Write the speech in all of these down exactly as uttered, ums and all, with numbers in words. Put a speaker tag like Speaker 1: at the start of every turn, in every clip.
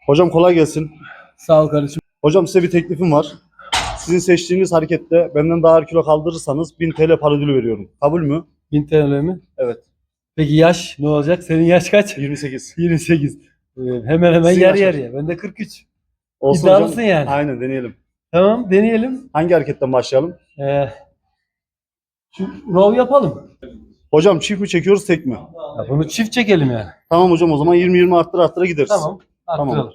Speaker 1: Hocam kolay gelsin.
Speaker 2: Sağ ol kardeşim.
Speaker 1: Hocam size bir teklifim var. Sizin seçtiğiniz harekette benden daha ağır kilo kaldırırsanız bin T L para ödülü veriyorum. Kabul mü?
Speaker 2: bin T L mi?
Speaker 1: Evet.
Speaker 2: Peki yaş ne olacak? Senin yaş kaç?
Speaker 1: yirmi sekiz.
Speaker 2: yirmi sekiz. Ee, hemen hemen
Speaker 1: Sizin
Speaker 2: yarı
Speaker 1: yaş kaç?
Speaker 2: yarıya. Ben de kırk üç.
Speaker 1: Olsun
Speaker 2: İddialısın
Speaker 1: hocam.
Speaker 2: yani.
Speaker 1: Aynen deneyelim.
Speaker 2: Tamam deneyelim.
Speaker 1: Hangi hareketten başlayalım?
Speaker 2: Ee, şu row yapalım.
Speaker 1: Hocam çift mi çekiyoruz tek mi?
Speaker 2: Ya bunu çift çekelim yani.
Speaker 1: Tamam hocam o zaman yirmi yirmi arttıra arttıra gideriz.
Speaker 2: Tamam. Arttıralım.
Speaker 1: Tamam.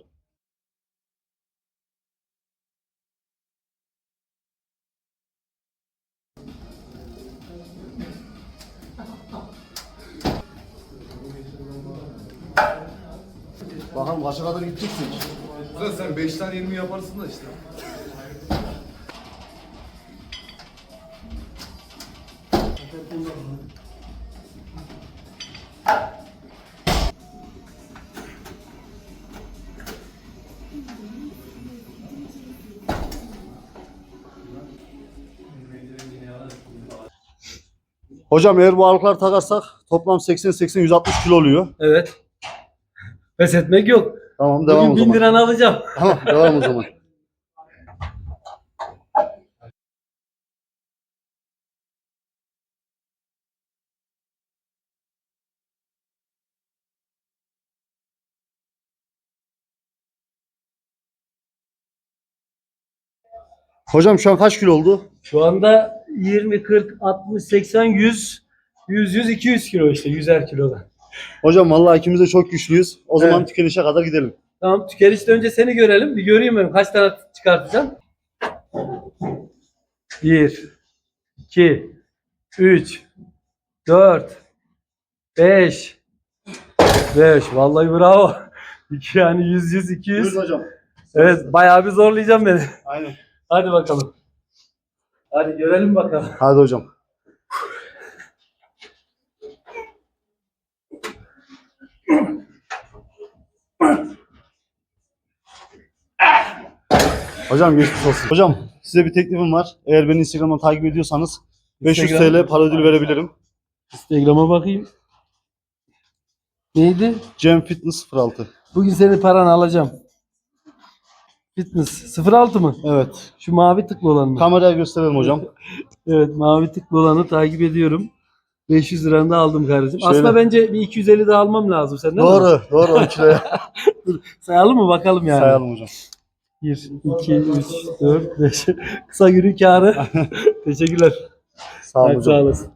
Speaker 1: Bakalım kaça kadar gideceksin?
Speaker 3: Ulan sen beşten yirmi yaparsın da işte.
Speaker 1: Hocam eğer bu ağırlıklar takarsak toplam seksen seksen yüz altmış kilo oluyor.
Speaker 2: Evet. Pes etmek yok.
Speaker 1: Tamam devam
Speaker 2: Bugün
Speaker 1: o
Speaker 2: bin
Speaker 1: zaman.
Speaker 2: liranı alacağım.
Speaker 1: Tamam devam o zaman. Hocam şu an kaç kilo oldu?
Speaker 2: Şu anda yirmi, kırk, altmış, seksen, yüz, yüz, yüz, iki yüz kilo işte. yüzer kiloda.
Speaker 1: Hocam vallahi ikimiz de çok güçlüyüz. O zaman
Speaker 2: Evet.
Speaker 1: tükenişe kadar gidelim.
Speaker 2: Tamam tükenişte önce seni görelim. Bir göreyim ben kaç tane çıkartacağım. bir, iki, üç, dört, beş, beş. Vallahi bravo. iki yani yüz, yüz, iki yüz.
Speaker 1: Buyurun hocam.
Speaker 2: Evet bayağı bir zorlayacağım beni.
Speaker 1: Aynen.
Speaker 2: Hadi bakalım. Hadi görelim bakalım.
Speaker 1: Hadi hocam. Hocam geçmiş olsun. Hocam size bir teklifim var. Eğer beni Instagram'dan takip ediyorsanız beş yüz
Speaker 2: Instagram.
Speaker 1: T L para ödülü verebilirim.
Speaker 2: Instagram'a bakayım. Neydi?
Speaker 1: Cem Fitness sıfır altı.
Speaker 2: Bugün senin paranı alacağım. Fitness sıfır altı mı?
Speaker 1: Evet.
Speaker 2: Şu mavi tıklı olan mı?
Speaker 1: Kameraya gösterelim hocam.
Speaker 2: Evet mavi tıklı olanı takip ediyorum. beş yüz liranı da aldım kardeşim.
Speaker 1: Şöyle.
Speaker 2: Aslında bence bir iki yüz elli daha almam lazım senden.
Speaker 1: Doğru. Doğru on kiloya.
Speaker 2: Sayalım mı bakalım yani.
Speaker 1: Sayalım hocam.
Speaker 2: bir, iki, üç, dört, beş. Kısa günün kârı. Teşekkürler.
Speaker 1: Sağ olun
Speaker 2: Hadi
Speaker 1: hocam.
Speaker 2: sağ olasın.